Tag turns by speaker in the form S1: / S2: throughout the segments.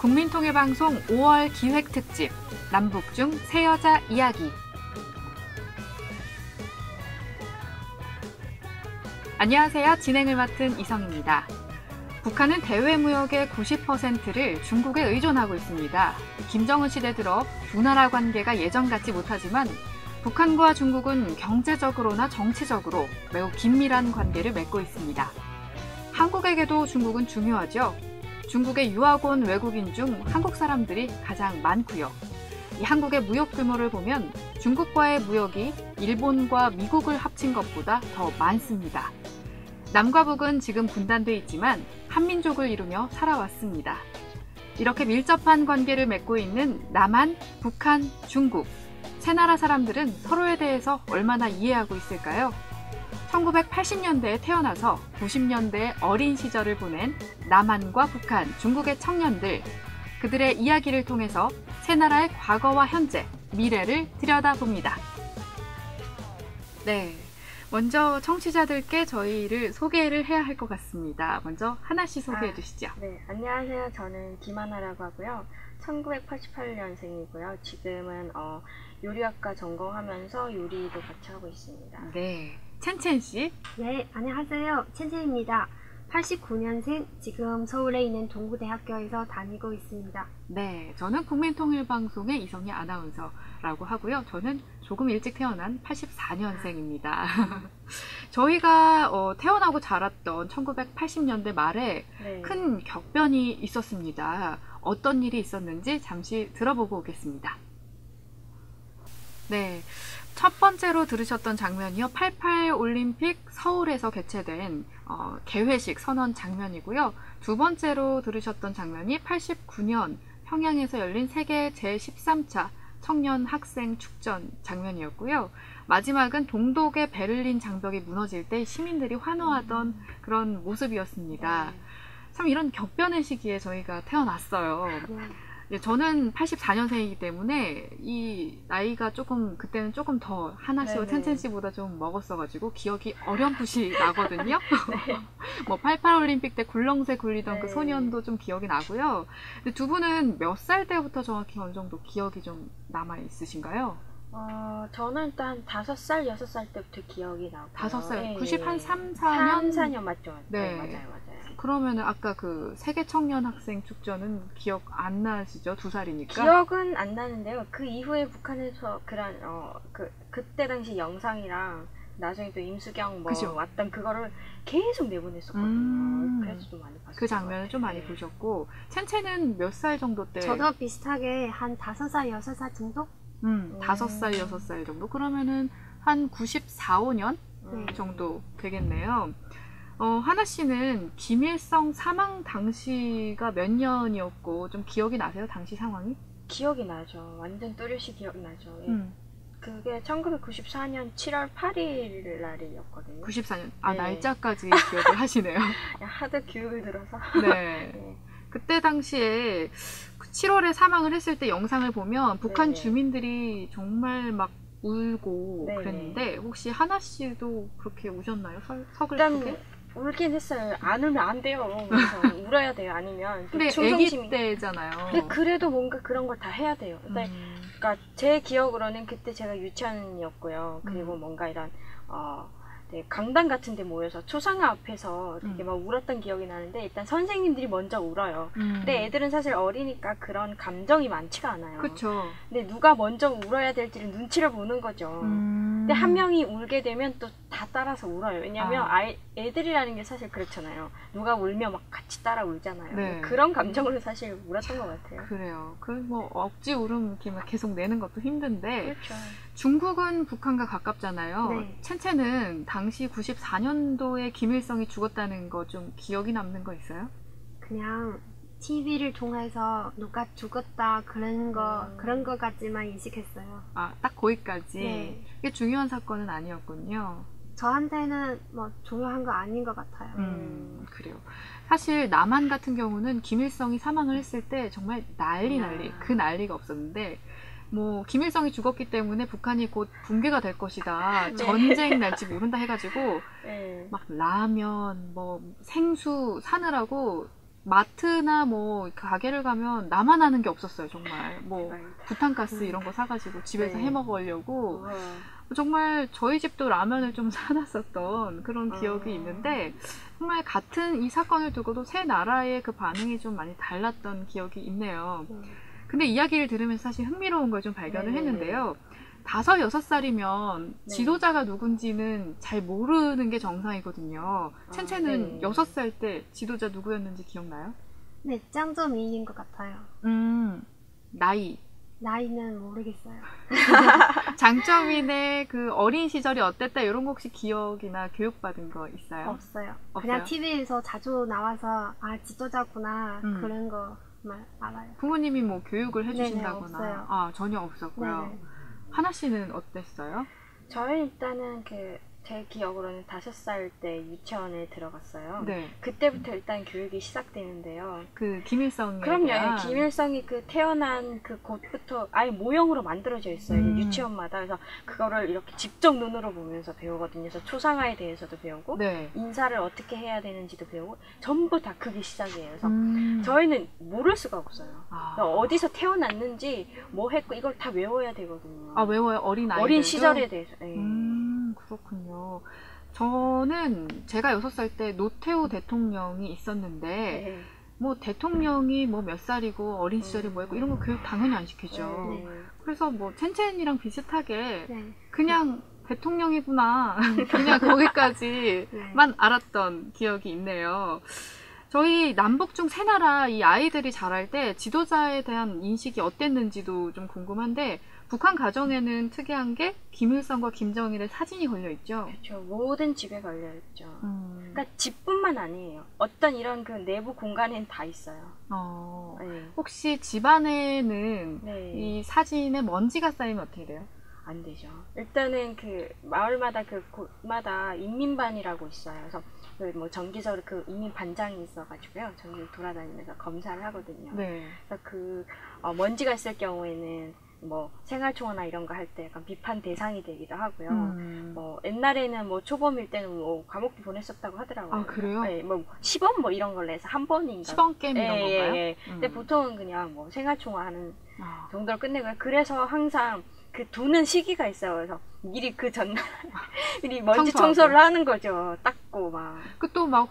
S1: 국민통일방송 5월 기획특집 남북중 새여자 이야기. 안녕하세요. 진행을 맡은 이성입니다. 북한은 대외무역의 90%를 중국에 의존하고 있습니다. 김정은 시대 들어 두 나라 관계가 예전 같지 못하지만 북한과 중국은 경제적으로나 정치적으로 매우 긴밀한 관계를 맺고 있습니다. 한국에게도 중국은 중요하죠. 중국에 유학 온 외국인 중 한국 사람들이 가장 많고요. 이 한국의 무역 규모를 보면 중국과의 무역이 일본과 미국을 합친 것보다 더 많습니다. 남과 북은 지금 분단돼 있지만 한민족을 이루며 살아왔습니다. 이렇게 밀접한 관계를 맺고 있는 남한, 북한, 중국. 세 나라 사람들은 서로에 대해서 얼마나 이해하고 있을까요? 1980년대에 태어나서 90년대의 어린 시절을 보낸 남한과 북한, 중국의 청년들, 그들의 이야기를 통해서 세 나라의 과거와 현재, 미래를 들여다봅니다. 네, 먼저 청취자들께 저희를 소개를 해야 할 것 같습니다. 먼저 하나씩 소개해 주시죠.
S2: 네, 안녕하세요. 저는 김하나라고 하고요. 1988년생이고요. 지금은 요리학과 전공하면서 요리도 같이 하고 있습니다.
S1: 네, 첸첸 씨.
S3: 네, 안녕하세요. 첸첸입니다. 89년생, 지금 서울에 있는 동구대학교에서 다니고 있습니다.
S1: 네, 저는 국민통일방송의 이성희 아나운서라고 하고요. 저는 조금 일찍 태어난 84년생입니다. 저희가 태어나고 자랐던 1980년대 말에
S2: 네.
S1: 큰 격변이 있었습니다. 어떤 일이 있었는지 잠시 들어보고 오겠습니다. 네, 첫 번째로 들으셨던 장면이요. 88 올림픽 서울에서 개최된 개회식 선언 장면이고요. 두 번째로 들으셨던 장면이 89년 평양에서 열린 세계 제13차 청년 학생 축전 장면이었고요. 마지막은 동독의 베를린 장벽이 무너질 때 시민들이 환호하던 그런 모습이었습니다.
S2: 네.
S1: 참 이런 격변의 시기에 저희가 태어났어요. 저는 84년생이기 때문에 이 나이가 그때는 조금 더 하나씨와 텐첸씨보다 좀 먹었어가지고 기억이 어렴풋이 나거든요.
S2: 네.
S1: 뭐 88 올림픽 때 굴렁쇠 굴리던 그
S2: 네.
S1: 소년도 좀 기억이 나고요. 근데 두 분은 몇 살 때부터 정확히 어느 정도 기억이 좀 남아 있으신가요?
S2: 저는 일단 5살, 6살 때부터 기억이 나고
S1: 5살,
S2: 네.
S1: 93, 4년?
S2: 3, 4년 맞죠?
S1: 네.
S2: 맞아요.
S1: 그러면은 아까 그 세계 청년 학생 축전은 기억 안 나시죠? 2살이니까?
S2: 기억은 안 나는데요. 그 이후에 북한에서 그런 그때 당시 영상이랑 나중에 또 임수경
S1: 그죠?
S2: 왔던 그거를 계속 내보냈었거든요. 그래서 좀 많이 봤어요.
S1: 그 장면을 좀 많이 보셨고, 첸첸은 몇 살 정도 때?
S3: 저도 비슷하게 한 5살, 6살 정도?
S1: 5살, 6살 정도? 그러면은 한 94, 5년 정도 되겠네요. 하나 씨는 김일성 사망 당시가 몇 년이었고 좀 기억이 나세요? 당시 상황이?
S2: 기억이 나죠. 완전 또렷이 기억나죠. 그게 1994년 7월 8일 날이었거든요.
S1: 94년.
S2: 네.
S1: 날짜까지 기억을 하시네요.
S2: 하도 교육을 들어서.
S1: 네.
S2: 네.
S1: 그때 당시에 7월에 사망을 했을 때 영상을 보면 북한
S2: 네네.
S1: 주민들이 정말 막 울고
S2: 네네.
S1: 그랬는데 혹시 하나 씨도 그렇게 우셨나요?
S2: 일단
S1: 서글프게?
S2: 울긴 했어요. 안 울면 안 돼요. 그래서 울어야 돼요. 아니면
S1: 근데
S2: 충성심이.
S1: 아기 때잖아요.
S2: 근데 그래도 뭔가 그런 걸 다 해야 돼요. 근데 그러니까 제 기억으로는 그때 제가 유치원이었고요. 그리고 뭔가 이런 되게 강당 같은 데 모여서 초상화 앞에서 되게 막 울었던 기억이 나는데 일단 선생님들이 먼저 울어요. 근데 애들은 사실 어리니까 그런 감정이 많지가 않아요.
S1: 그쵸.
S2: 근데 누가 먼저 울어야 될지를 눈치를 보는 거죠. 근데 한 명이 울게 되면 또 다 따라서 울어요. 왜냐면 애들이라는 게 사실 그렇잖아요. 누가 울면 막 같이 따라 울잖아요.
S1: 네.
S2: 그런 감정으로 사실 울었던 것 같아요.
S1: 그래요. 뭐 억지 울음 이렇게 막 계속 내는 것도 힘든데
S2: 그렇죠.
S1: 중국은 북한과 가깝잖아요.
S3: 네.
S1: 첸첸은 당시 94년도에 김일성이 죽었다는 거 좀 기억이 남는 거 있어요?
S3: 그냥 TV를 통해서 누가 죽었다 그런 거까지만 인식했어요.
S1: 딱 거기까지.
S3: 네.
S1: 이게 중요한 사건은 아니었군요.
S3: 저한테는 뭐 중요한 거 아닌 것 같아요.
S1: 그래요. 사실 남한 같은 경우는 김일성이 사망을 했을 때 정말 난리 그 난리가 없었는데 뭐 김일성이 죽었기 때문에 북한이 곧 붕괴가 될 것이다.
S2: 네.
S1: 전쟁 날지 모른다 해가지고
S2: 네.
S1: 막 라면, 뭐 생수 사느라고 마트나 뭐 가게를 가면 나만 아는 게 없었어요, 정말. 뭐
S2: 대박이다.
S1: 부탄가스 이런 거 사가지고 집에서
S2: 네.
S1: 해 먹으려고
S2: 우와.
S1: 정말 저희 집도 라면을 좀 사놨었던 그런 기억이 있는데 정말 같은 이 사건을 두고도 세 나라의 그 반응이 좀 많이 달랐던 기억이 있네요. 근데 이야기를 들으면서 사실 흥미로운 걸 좀 발견을
S2: 네네네.
S1: 했는데요. 5, 6살이면
S2: 네.
S1: 지도자가 누군지는 잘 모르는 게 정상이거든요. 첸첸은
S2: 네.
S1: 6살 때 지도자 누구였는지 기억나요?
S3: 네, 짱점이인 것 같아요.
S1: 나이.
S3: 나이는 모르겠어요.
S1: 장점인의 그 어린 시절이 어땠다 이런 거 혹시 기억이나 교육받은 거 있어요?
S3: 없어요.
S1: 없어요?
S3: 그냥 TV에서 자주 나와서 아 지도자구나 그런 거만 알아요.
S1: 부모님이 뭐 교육을
S3: 네네,
S1: 해주신다거나
S3: 없어요.
S1: 아 전혀 없었고요.
S3: 네네.
S1: 하나 씨는 어땠어요?
S2: 저는 일단은 제 기억으로는 5살 때 유치원에 들어갔어요.
S1: 네,
S2: 그때부터 일단 교육이 시작되는데요.
S1: 그 김일성에
S2: 그럼요.
S1: 대한
S2: 김일성이 그 태어난 그 곳부터 아예 모형으로 만들어져 있어요. 유치원마다. 그래서 그거를 이렇게 직접 눈으로 보면서 배우거든요. 그래서 초상화에 대해서도 배우고
S1: 네.
S2: 인사를 어떻게 해야 되는지도 배우고 전부 다 그게 시작이에요. 그래서
S1: 음.
S2: 저희는 모를 수가 없어요.
S1: 아.
S2: 그러니까 어디서 태어났는지 뭐 했고 이걸 다 외워야 되거든요.
S1: 아 외워요? 어린 아이들도?
S2: 어린 시절에 대해서. 네.
S1: 그렇군요. 저는 제가 6살 때 노태우 대통령이 있었는데
S2: 네.
S1: 뭐 대통령이 뭐 몇 살이고 어린 시절이 뭐였고 이런 거 교육 당연히 안 시키죠.
S2: 네.
S1: 그래서 뭐 첸첸이랑 비슷하게
S3: 네.
S1: 그냥 대통령이구나 그냥 거기까지만 알았던 기억이 있네요. 저희 남북 중 세 나라 이 아이들이 자랄 때 지도자에 대한 인식이 어땠는지도 좀 궁금한데 북한 가정에는 특이한 게 김일성과 김정일의 사진이 걸려 있죠.
S2: 그렇죠. 모든 집에 걸려있죠.
S1: 음.
S2: 그러니까 집뿐만 아니에요. 어떤 이런 그 내부 공간엔 다 있어요. 네.
S1: 혹시 집안에는
S2: 네.
S1: 이 사진에 먼지가 쌓이면 어떻게 돼요?
S2: 안 되죠. 일단은 그 마을마다 그 곳마다 인민반이라고 있어요. 그래서 그 뭐 정기적으로 그 인민 반장이 있어가지고요. 전국 돌아다니면서 검사를 하거든요.
S1: 네.
S2: 그래서 그 먼지가 있을 경우에는 뭐 생활총화나 이런 거 할 때 약간 비판 대상이 되기도 하고요. 뭐 옛날에는 뭐 초범일 때는 뭐 감옥도 보냈었다고 하더라고요.
S1: 아 그래요?
S2: 네, 뭐 시범 뭐 이런 걸로 해서 한 번인가.
S1: 시범 게임 이런 건가요?
S2: 예. 근데 보통은 그냥 뭐 생활총화 하는
S1: 아.
S2: 정도로 끝내고요. 그래서 항상 그 두는 시기가 있어요. 그래서 미리 그 전날 미리 먼지
S1: 청소하고.
S2: 청소를 하는 거죠. 닦고 막.
S1: 그 또 막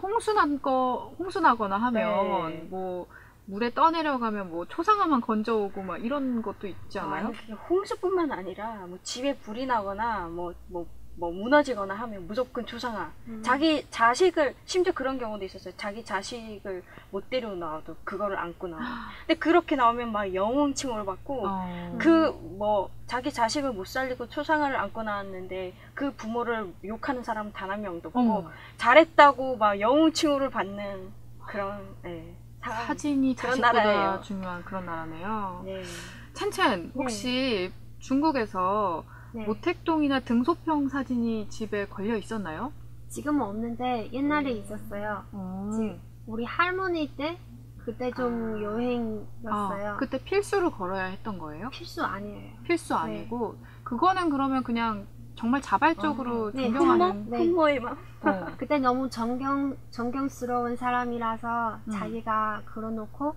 S1: 홍수나거나 하면
S2: 네.
S1: 뭐 물에 떠내려가면 뭐 초상화만 건져오고 막 이런 것도 있지 않아요?
S2: 그게 홍수뿐만 아니라 뭐 집에 불이 나거나 뭐 무너지거나 하면 무조건 초상화. 자기 자식을 심지어 그런 경우도 있었어요. 자기 자식을 못 데리고 나와도 그거를 안고 나와. 근데 그렇게 나오면 막 영웅칭호를 받고 그 뭐 자기 자식을 못 살리고 초상화를 안고 나왔는데 그 부모를 욕하는 사람은 단 한 명도 없고 잘했다고 막 영웅칭호를 받는 그런 상황.
S1: 사진이
S2: 그런
S1: 자식보다
S2: 나라예요.
S1: 중요한 그런 나라네요.
S2: 네.
S1: 첸첸 혹시 중국에서
S3: 네.
S1: 모택동이나 등소평 사진이 집에 걸려 있었나요?
S3: 지금은 없는데 옛날에 있었어요. 우리 할머니 때 그때 좀 여행이었어요.
S1: 그때 필수로 걸어야 했던 거예요?
S3: 필수 아니에요.
S1: 필수 아니고 그거는 그러면 그냥 정말 자발적으로
S3: 네,
S1: 존경하는
S3: 네.
S2: 풍모의 마음.
S3: 그때 너무 존경스러운 사람이라서 자기가 걸어놓고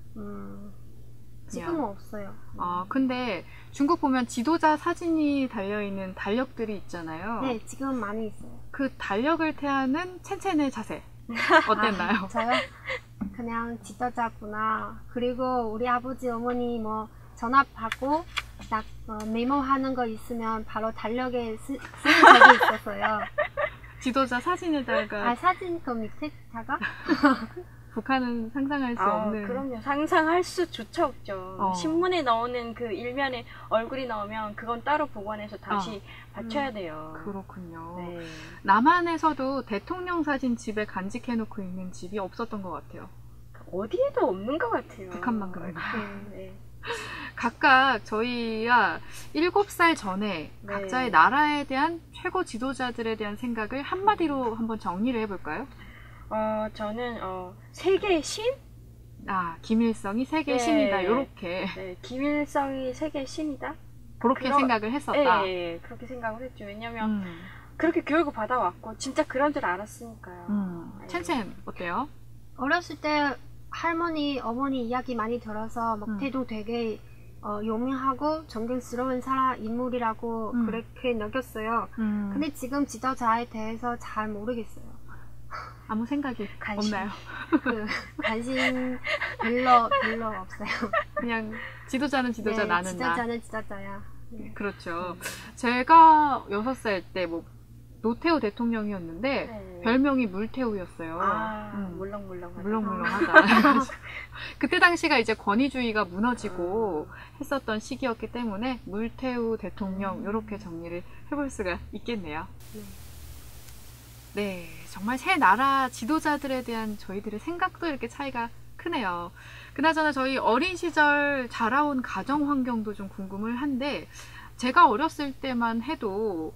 S3: 지금은 없어요.
S1: 근데 중국 보면 지도자 사진이 달려있는 달력들이 있잖아요.
S3: 네, 지금 많이 있어요.
S1: 그 달력을 태하는 첸첸의 자세 어땠나요?
S3: 저요? 그냥 지도자구나. 그리고 우리 아버지 어머니 뭐 전화 받고 딱 메모하는 거 있으면 바로 달력에 쓰는 적이 있었어요.
S1: 지도자 사진에다가
S3: 사진 그 밑에다가
S1: 북한은 상상할 수 없는.
S2: 그럼요. 상상할 수조차 없죠. 신문에 나오는 그 일면에 얼굴이 나오면 그건 따로 보관해서 다시 받쳐야 돼요.
S1: 그렇군요.
S2: 네.
S1: 남한에서도 대통령 사진 집에 간직해놓고 있는 집이 없었던 것 같아요.
S2: 어디에도 없는 것 같아요.
S1: 북한만 그런가.
S2: 네.
S1: 각각 저희가 7살 전에
S2: 네.
S1: 각자의 나라에 대한 최고 지도자들에 대한 생각을 한마디로 한번 정리를 해볼까요?
S2: 저는 세계의 신?
S1: 김일성이 세계의
S2: 네.
S1: 신이다. 요렇게
S2: 네, 김일성이 세계의 신이다?
S1: 그렇게 생각을 했었다.
S2: 네, 그렇게 생각을 했죠. 왜냐면 그렇게 교육을 받아왔고 진짜 그런 줄 알았으니까요.
S1: 첸첸 어때요?
S3: 어렸을 때 할머니, 어머니 이야기 많이 들어서 먹태도 되게 유명하고 존경스러운 인물이라고 그렇게 느꼈어요. 근데 지금 지도자에 대해서 잘 모르겠어요.
S1: 아무 생각이
S2: 관심.
S1: 없나요?
S3: 관심 별로 없어요.
S1: 그냥 지도자는 지도자,
S3: 네,
S1: 나는 나.
S3: 지도자는 지도자야. 네.
S1: 그렇죠. 제가 6살 때 뭐 노태우 대통령이었는데
S2: 네.
S1: 별명이 물태우였어요.
S2: 물렁물렁.
S1: 물렁물렁하다. 그때 당시가 이제 권위주의가 무너지고 했었던 시기였기 때문에 물태우 대통령 이렇게 정리를 해볼 수가 있겠네요. 네, 정말 새 나라 지도자들에 대한 저희들의 생각도 이렇게 차이가 크네요. 그나저나 저희 어린 시절 자라온 가정 환경도 좀 궁금을 한데, 제가 어렸을 때만 해도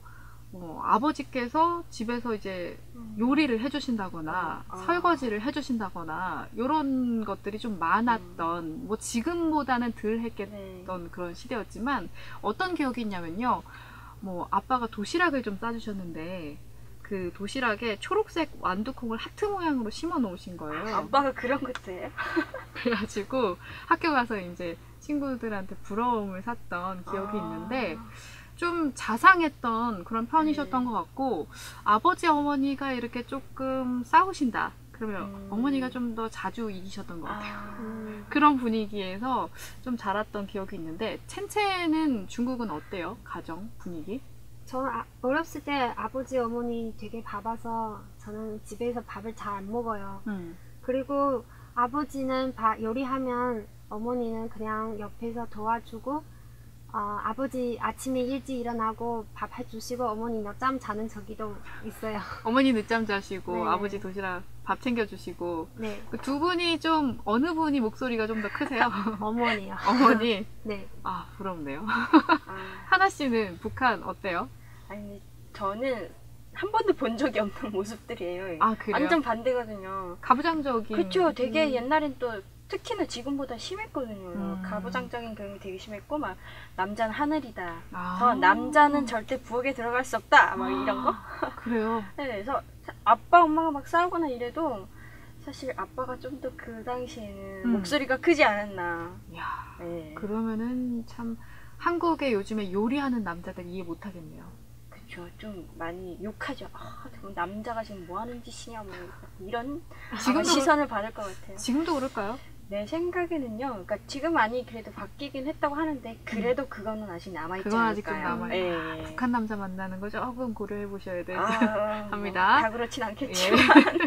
S1: 아버지께서 집에서 이제 요리를 해주신다거나 설거지를 해주신다거나 이런 것들이 좀 많았던, 뭐 지금보다는 덜 했겠던 그런 시대였지만, 어떤 기억이 있냐면요, 뭐 아빠가 도시락을 좀 싸주셨는데 그 도시락에 초록색 완두콩을 하트 모양으로 심어 놓으신 거예요.
S2: 아빠가 그런 것도 해요?
S1: 그래가지고 학교 가서 이제 친구들한테 부러움을 샀던 기억이 있는데, 좀 자상했던 그런 편이셨던 것 같고, 아버지 어머니가 이렇게 조금 싸우신다 그러면 어머니가 좀 더 자주 이기셨던 것 같아요. 그런 분위기에서 좀 자랐던 기억이 있는데, 첸첸은 중국은 어때요? 가정 분위기?
S3: 저는 어렸을 때 아버지 어머니 되게 바빠서 저는 집에서 밥을 잘 안 먹어요. 그리고 아버지는 요리하면 어머니는 그냥 옆에서 도와주고, 아버지 아침에 일찍 일어나고 밥 해주시고 어머니 늦잠 자는 적도 있어요.
S1: 어머니 늦잠 자시고
S3: 네.
S1: 아버지 도시락 밥 챙겨주시고.
S3: 네.
S1: 그 두 분이 좀 어느 분이 목소리가 좀 더 크세요?
S3: 어머니요.
S1: 어머니.
S3: 네.
S1: 아, 부럽네요. 하나 씨는 북한 어때요?
S2: 아니, 저는 한 번도 본 적이 없는 모습들이에요.
S1: 아, 그래요?
S2: 완전 반대거든요.
S1: 가부장적인.
S2: 그쵸. 되게 옛날엔 또 특히나 지금보다 심했거든요. 가부장적인 그런 게 되게 심했고, 막 남자는 하늘이다. 남자는 절대 부엌에 들어갈 수 없다. 막 이런 거.
S1: 그래요?
S2: 네, 그래서 아빠 엄마가 막 싸우거나 이래도 사실 아빠가 좀 더 그 당시에는 목소리가 크지 않았나.
S1: 이야,
S2: 네.
S1: 그러면은 참 한국의 요즘에 요리하는 남자들 이해 못하겠네요.
S2: 그쵸. 좀 많이 욕하죠. 저 남자가 지금 뭐 하는 짓이냐, 뭐 이런 시선을 받을 것 같아요.
S1: 지금도 그럴까요?
S2: 내 생각에는요. 그러니까 지금 많이 그래도 바뀌긴 했다고 하는데, 그래도 그거는 아직 남아있지
S1: 그건 아직도
S2: 않을까요?
S1: 남아요.
S2: 네.
S1: 북한 남자 만나는 거 조금 고려해 보셔야 돼요.
S2: 합니다. 다 그렇진 않겠지만.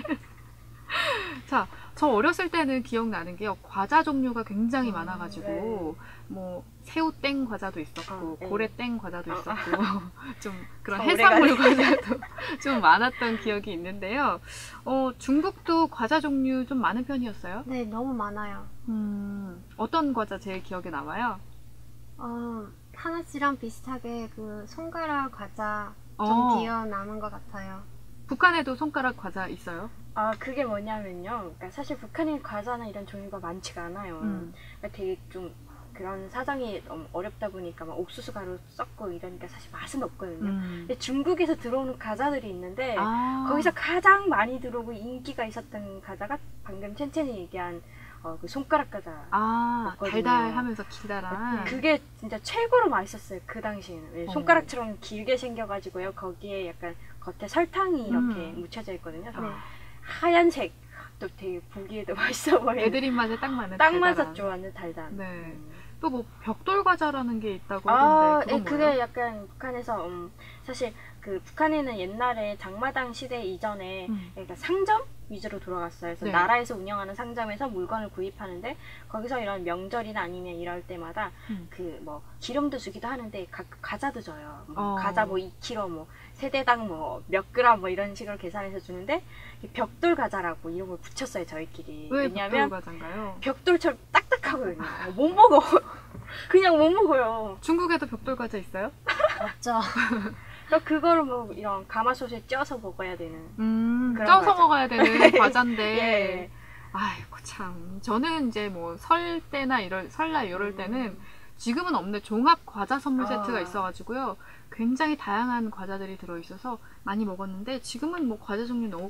S1: 자, 저 어렸을 때는 기억나는 게요, 과자 종류가 굉장히 많아가지고 뭐 새우땡 과자도 있었고 고래땡 과자도 있었고 좀 그런 해산물 과자도 좀 많았던 기억이 있는데요. 중국도 과자 종류 좀 많은 편이었어요?
S3: 네, 너무 많아요.
S1: 어떤 과자 제일 기억에 남아요?
S3: 하나 씨랑 비슷하게 그 손가락 과자 좀 기억 남은 것 같아요.
S1: 북한에도 손가락 과자 있어요?
S2: 그게 뭐냐면요. 그러니까 사실 북한의 과자나 이런 종류가 많지가 않아요. 그러니까 되게 좀 그런 사정이 어렵다 보니까 막 옥수수 가루 섞고 이러니까 사실 맛은 없거든요. 근데 중국에서 들어오는 과자들이 있는데, 거기서 가장 많이 들어오고 인기가 있었던 과자가 방금 첸첸이 얘기한 그 손가락 과자.
S1: 달달하면서 기다란.
S2: 그게 진짜 최고로 맛있었어요. 그 당시에는. 손가락처럼 길게 생겨가지고요. 거기에 약간 겉에 설탕이 이렇게 묻혀져 있거든요. 하얀색. 또 되게 보기에도 맛있어 보여요.
S1: 애들 입맛에 딱 맞는
S2: 딱
S1: 달달한.
S2: 맞았죠. 완전 달달한.
S1: 네. 또 뭐 벽돌 과자라는 게 있다고 하던데 그건
S2: 그게
S1: 뭐예요?
S2: 약간 북한에서 사실 그 북한에는 옛날에 장마당 시대 이전에 그러니까 상점 위주로 돌아갔어요. 그래서 나라에서 운영하는 상점에서 물건을 구입하는데, 거기서 이런 명절이나 아니면 이럴 때마다 그 뭐 기름도 주기도 하는데 과자도 줘요. 과자 뭐 2kg 뭐 세대당 뭐 몇 그램 뭐 이런 식으로 계산해서 주는데, 벽돌 과자라고 이름을 붙였어요, 저희끼리.
S1: 왜
S2: 왜냐면
S1: 벽돌 과자인가요?
S2: 벽돌처럼 딱딱하거든요. 못 먹어. 그냥 못 먹어요.
S1: 중국에도 벽돌 과자 있어요?
S3: 없죠.
S2: 그러니까 그거를 뭐 이런 가마솥에 쪄서 먹어야 되는. 그런
S1: 쪄서
S2: 과자.
S1: 먹어야 되는 과자인데.
S2: 예.
S1: 아이고 참. 저는 이제 뭐 설 때나 설날 이럴 때는 지금은 없는 종합 과자 선물 세트가 있어가지고요. 굉장히 다양한 과자들이 들어있어서 많이 먹었는데, 지금은 뭐 과자 종류 너무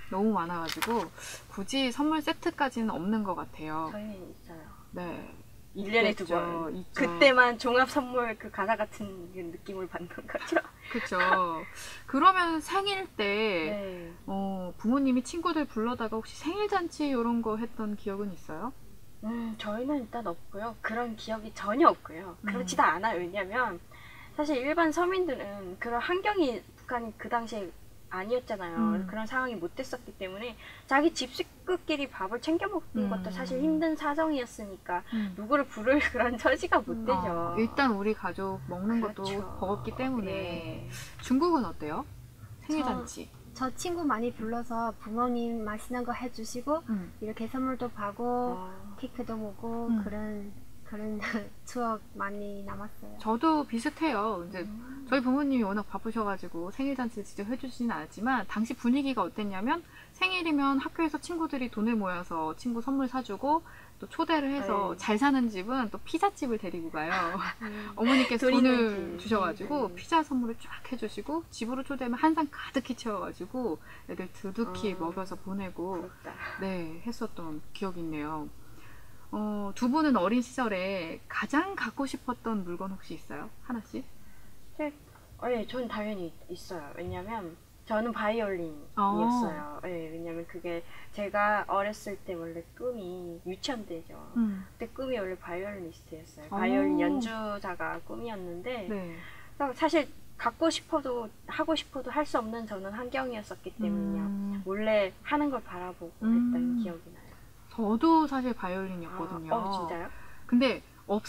S1: 너무 많아가지고 굳이 선물 세트까지는 없는 것 같아요.
S2: 저희는 있어요.
S1: 네.
S2: 1년에 2번. 그때만 종합 선물 그 가사 같은 느낌을 받는 거죠.
S1: 그렇죠. 그러면 생일 때 부모님이 친구들 불러다가 혹시 생일 잔치 이런 거 했던 기억은 있어요?
S2: 저희는 일단 없고요. 그런 기억이 전혀 없고요. 그렇지도 않아요. 왜냐면 사실 일반 서민들은 그런 환경이 북한이 그 당시에 아니었잖아요. 그런 상황이 못 됐었기 때문에 자기 집 식구끼리 밥을 챙겨 먹는 것도 사실 힘든 사정이었으니까 누구를 부를 그런 처지가 못 되죠.
S1: 일단 우리 가족 먹는 것도
S2: 그렇죠.
S1: 버겁기 때문에.
S2: 네.
S1: 중국은 어때요? 생일잔치.
S3: 저 친구 많이 불러서 부모님 맛있는 거 해주시고 이렇게 선물도 받고 케이크도 먹고 그런 추억 많이 남았어요.
S1: 저도 비슷해요. 이제 저희 부모님이 워낙 바쁘셔가지고 생일잔치를 직접 해주시진 않았지만 당시 분위기가 어땠냐면 생일이면 학교에서 친구들이 돈을 모여서 친구 선물 사주고 또 초대를 해서 잘 사는 집은 또 피자집을 데리고 가요. 어머니께서 돈을 주셔가지고 피자 선물을 쫙 해주시고 집으로 초대하면 한 상 가득히 채워가지고 애들 두둑히 먹여서 보내고
S2: 부럽다.
S1: 네, 했었던 기억이 있네요. 두 분은 어린 시절에 가장 갖고 싶었던 물건 혹시 있어요? 하나씩?
S2: 네, 전 당연히 있어요. 왜냐면 저는 바이올린이었어요. 네, 왜냐면 그게 제가 어렸을 때 원래 꿈이 유치원 때죠. 그때 꿈이 원래 바이올리니스트였어요. 바이올린 연주자가 꿈이었는데
S1: 네.
S2: 사실 갖고 싶어도 하고 싶어도 할 수 없는 저는 환경이었었기 때문에 그냥 몰래 하는 걸 바라보고 했던 기억이 나요.
S1: 저도 사실 바이올린이었거든요.
S2: 진짜요?
S1: 근데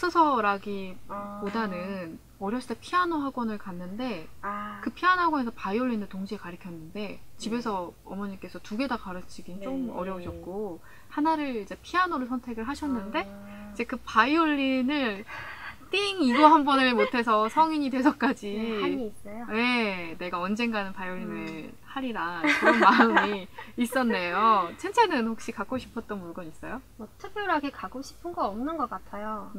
S1: 없어서라기보다는 어렸을 때 피아노 학원을 갔는데 그 피아노 학원에서 바이올린을 동시에 가르쳤는데 집에서 어머니께서 두 개 다 가르치긴 좀 어려우셨고 하나를 이제 피아노를 선택을 하셨는데 이제 그 바이올린을 띵 이거 한 번을 못해서 성인이 돼서까지
S3: 한이 있어요?
S1: 네, 내가 언젠가는 바이올린을 하리라 그런 마음이 있었네요. 첸첸은 혹시 갖고 싶었던 물건 있어요?
S3: 뭐 특별하게 갖고 싶은 거 없는 것 같아요.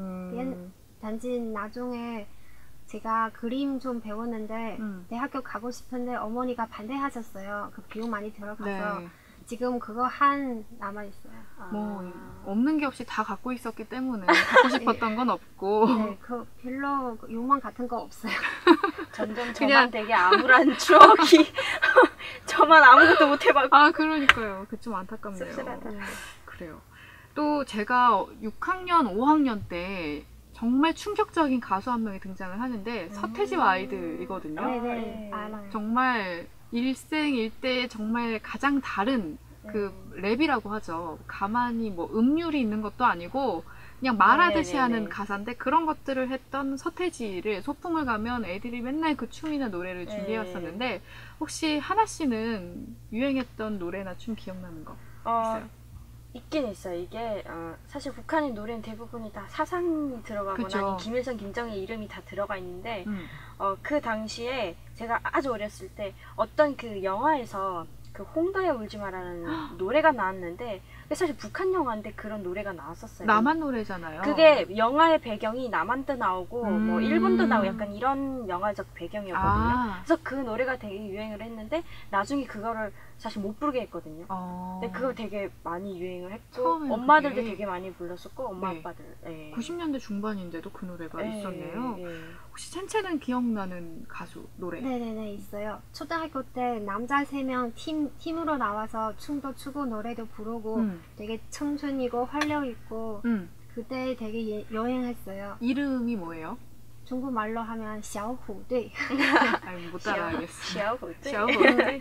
S3: 단지 나중에 제가 그림 좀 배웠는데 대학교 가고 싶은데 어머니가 반대하셨어요. 그 비용 많이 들어가서 지금 그거 한 남아있어요.
S1: 뭐 없는 게 없이 다 갖고 있었기 때문에 갖고 싶었던 건 없고
S3: 네, 그 별로 욕망 같은 거 없어요.
S2: 점점 저만 되게 암울한 추억이 저만 아무것도 못 해봤고
S1: 그러니까요. 그 좀 안타깝네요.
S2: 씁쓸하다.
S1: 그래요. 또 제가 6학년, 5학년 때 정말 충격적인 가수 한 명이 등장을 하는데 서태지와 아이들이거든요.
S3: 네네, 알아요.
S1: 정말 일생일대에 정말 가장 다른 그 랩이라고 하죠. 가만히 뭐 음률이 있는 것도 아니고 그냥 말하듯이 하는 가사인데 그런 것들을 했던 서태지를 소풍을 가면 애들이 맨날 그 춤이나 노래를 준비해왔었는데 혹시 하나 씨는 유행했던 노래나 춤 기억나는 거 있어요?
S2: 있긴 있어요. 이게 사실 북한의 노래는 대부분이 다 사상이 들어가거나 김일성, 김정일 이름이 다 들어가 있는데 그 당시에 제가 아주 어렸을 때 어떤 그 영화에서 그 홍도야 울지 마라는 노래가 나왔는데 사실 북한 영화인데 그런 노래가 나왔었어요.
S1: 남한 노래잖아요.
S2: 그게 영화의 배경이 남한도 나오고 뭐 일본도 나오고 약간 이런 영화적 배경이었거든요. 그래서 그 노래가 되게 유행을 했는데 나중에 그거를 사실 못 부르게 했거든요. 근데 그걸 되게 많이 유행을 했고 엄마들도 되게 많이 불렀었고 엄마 아빠들
S1: 90년대 중반인데도 그 노래가 있었네요. 혹시 첸첸은 기억나는 가수 노래?
S3: 네네네 있어요. 초등학교 때 남자 3명 팀으로 나와서 춤도 추고 노래도 부르고 되게 청순이고 활력있고 그때 되게 여행했어요.
S1: 이름이 뭐예요?
S3: 중국말로 하면 小虎队.
S1: 못 따라하겠어.
S2: 小虎队.
S1: 小虎队.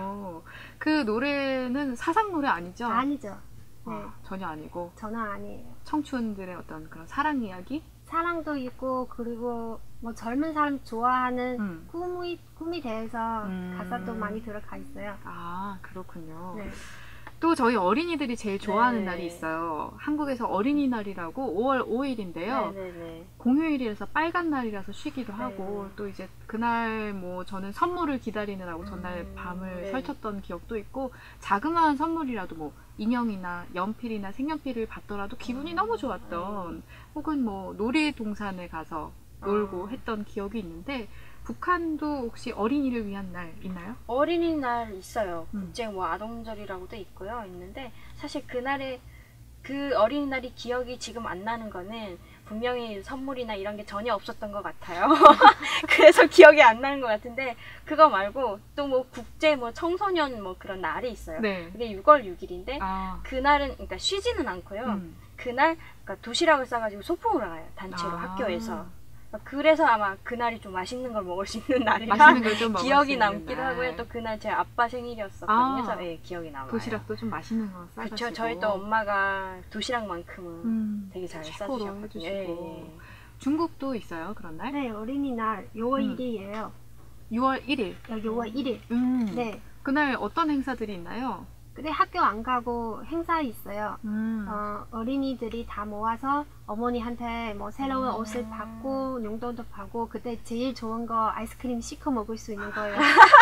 S1: 그 노래는 사상 노래 아니죠?
S3: 아니죠. 네.
S1: 전혀 아니고.
S3: 전혀 아니에요.
S1: 청춘들의 어떤 그런 사랑 이야기?
S3: 사랑도 있고 그리고 뭐 젊은 사람 좋아하는 꿈에 대해서 가사도 많이 들어가 있어요.
S1: 그렇군요.
S3: 네.
S1: 또 저희 어린이들이 제일 좋아하는 날이 있어요. 한국에서 어린이날이라고 5월 5일인데요. 공휴일이라서 빨간 날이라서 쉬기도 하고 또 이제 그날 뭐 저는 선물을 기다리느라고 전날 밤을 설쳤던 기억도 있고 자그마한 선물이라도 뭐 인형이나 연필이나 색연필을 받더라도 기분이 너무 좋았던 혹은 뭐 놀이동산에 가서 놀고 했던 기억이 있는데 북한도 혹시 어린이를 위한 날 있나요?
S2: 어린이날 있어요. 국제 뭐 아동절이라고도 있는데 사실 그날에 그 어린이날이 기억이 지금 안 나는 거는 분명히 선물이나 이런 게 전혀 없었던 것 같아요. 그래서 기억이 안 나는 것 같은데 그거 말고 또 뭐 국제 뭐 청소년 뭐 그런 날이 있어요.
S1: 네.
S2: 그게 6월 6일인데 그날은 그러니까 쉬지는 않고요. 그날 그러니까 도시락을 싸가지고 소풍을 가요. 단체로 학교에서. 그래서 아마 그날이 좀 맛있는 걸 먹을 수 있는 날이라 기억이 남기도 하고요. 또 그날 제 아빠 생일이었었거든요. 그래서 예, 기억이 남아요.
S1: 도시락도 좀 맛있는 거 싸가지고.
S2: 그렇죠. 저희 또 엄마가 도시락만큼은 되게 잘 싸주셨거든요. 예.
S1: 중국도 있어요, 그런 날?
S3: 네, 어린이날 6월 1일이에요.
S1: 6월 1일?
S3: 6월 1일.
S1: 네. 그날 어떤 행사들이 있나요?
S3: 근데 학교 안 가고 행사 있어요. 어린이들이 다 모아서 어머니한테 뭐 새로운 옷을 받고 용돈도 받고 그때 제일 좋은 거 아이스크림 시켜 먹을 수 있는 거예요.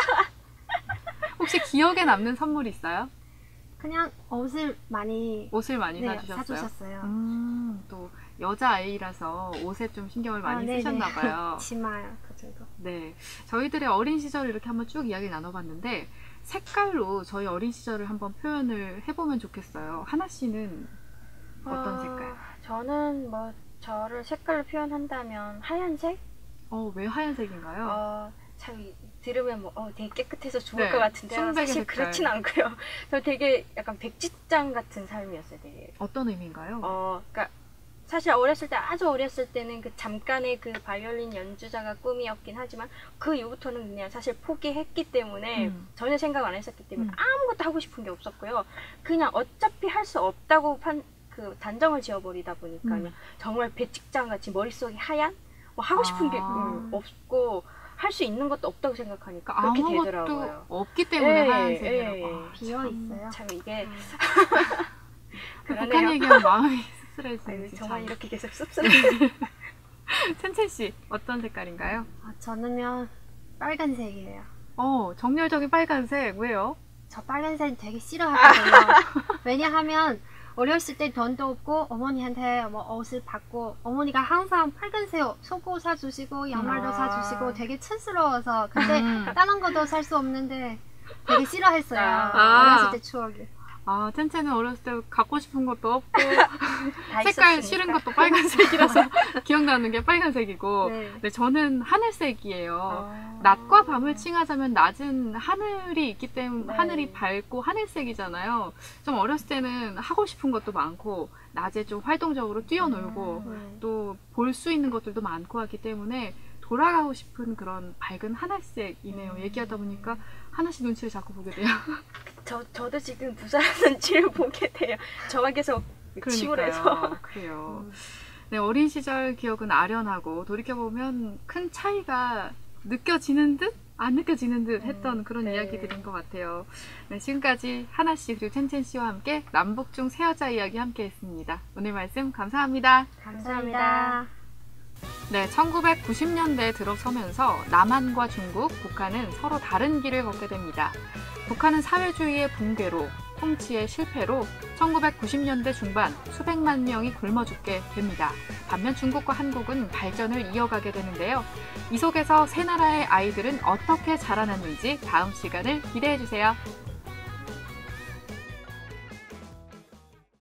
S1: 혹시 기억에 남는 선물 있어요?
S3: 그냥 옷을 많이
S1: 네, 사주셨어요? 또 여자아이라서 옷에 좀 신경을 많이 쓰셨나 봐요.
S3: 치마 그 정도.
S1: 네, 저희들의 어린 시절을 이렇게 한번 쭉 이야기를 나눠봤는데 색깔로 저희 어린 시절을 한번 표현을 해보면 좋겠어요. 하나 씨는 어떤 색깔?
S2: 저는 뭐 저를 색깔로 표현한다면 하얀색?
S1: 왜 하얀색인가요?
S2: 참 들으면 뭐 되게 깨끗해서 좋을 것 같은데 사실 색깔. 그렇진 않고요. 저 되게 약간 백지장 같은 삶이었어요. 되게.
S1: 어떤 의미인가요?
S2: 그러니까 사실 어렸을 때 아주 어렸을 때는 그 잠깐의 그 바이올린 연주자가 꿈이었긴 하지만 그 이후부터는 그냥 사실 포기했기 때문에 전혀 생각 안 했었기 때문에 아무것도 하고 싶은 게 없었고요. 그냥 어차피 할 수 없다고 그 단정을 지어버리다 보니까 그냥 정말 백지장 같이 머릿속이 하얀 뭐 하고 싶은 게 없고 할 수 있는 것도 없다고 생각하니까 그렇게 되더라고요.
S1: 아무것도 없기 때문에 하얀색이라고.
S3: 비어 있어요.
S2: 참 이게
S1: 북한 얘기하면 마음이 씁쓸해지는지
S2: 정말 이렇게 계속 씁쓸해요.
S1: 첸첸 씨 어떤 색깔인가요?
S3: 저는요 빨간색이에요.
S1: 정열적인 빨간색. 왜요?
S3: 저 빨간색 되게 싫어하거든요. 왜냐하면 어렸을 때 돈도 없고 어머니한테 뭐 옷을 받고 어머니가 항상 빨간색 속옷 사주시고 양말도 사주시고 되게 촌스러워서 근데 다른 것도 살 수 없는데 되게 싫어했어요. 어렸을 때 추억이.
S1: 첸첸은 어렸을 때 갖고 싶은 것도 없고 색깔 싫은 것도 빨간색이라서 기억나는 게 빨간색이고 네, 저는 하늘색이에요. 낮과 밤을 칭하자면 낮은 하늘이 있기 때문에 하늘이 밝고 하늘색이잖아요. 좀 어렸을 때는 하고 싶은 것도 많고 낮에 좀 활동적으로 뛰어놀고 또 볼 수 있는 것들도 많고 하기 때문에 돌아가고 싶은 그런 밝은 하늘색이네요. 얘기하다 보니까 하나씩 눈치를 자꾸 보게 돼요.
S2: 저도 지금 두 사람 눈치를 보게 돼요. 저만 계속 치울해서.
S1: 그래요. 네, 어린 시절 기억은 아련하고 돌이켜보면 큰 차이가 느껴지는 듯 안 느껴지는 듯 했던 그런 이야기들인 것 같아요. 네, 지금까지 하나 씨 그리고 첸첸 씨와 함께 남북중 새 여자 이야기 함께 했습니다. 오늘 말씀 감사합니다.
S3: 감사합니다.
S1: 네, 1990년대에 들어서면서 남한과 중국, 북한은 서로 다른 길을 걷게 됩니다. 북한은 사회주의의 붕괴로, 통치의 실패로 1990년대 중반 수백만 명이 굶어 죽게 됩니다. 반면 중국과 한국은 발전을 이어가게 되는데요. 이 속에서 세 나라의 아이들은 어떻게 자라났는지 다음 시간을 기대해 주세요.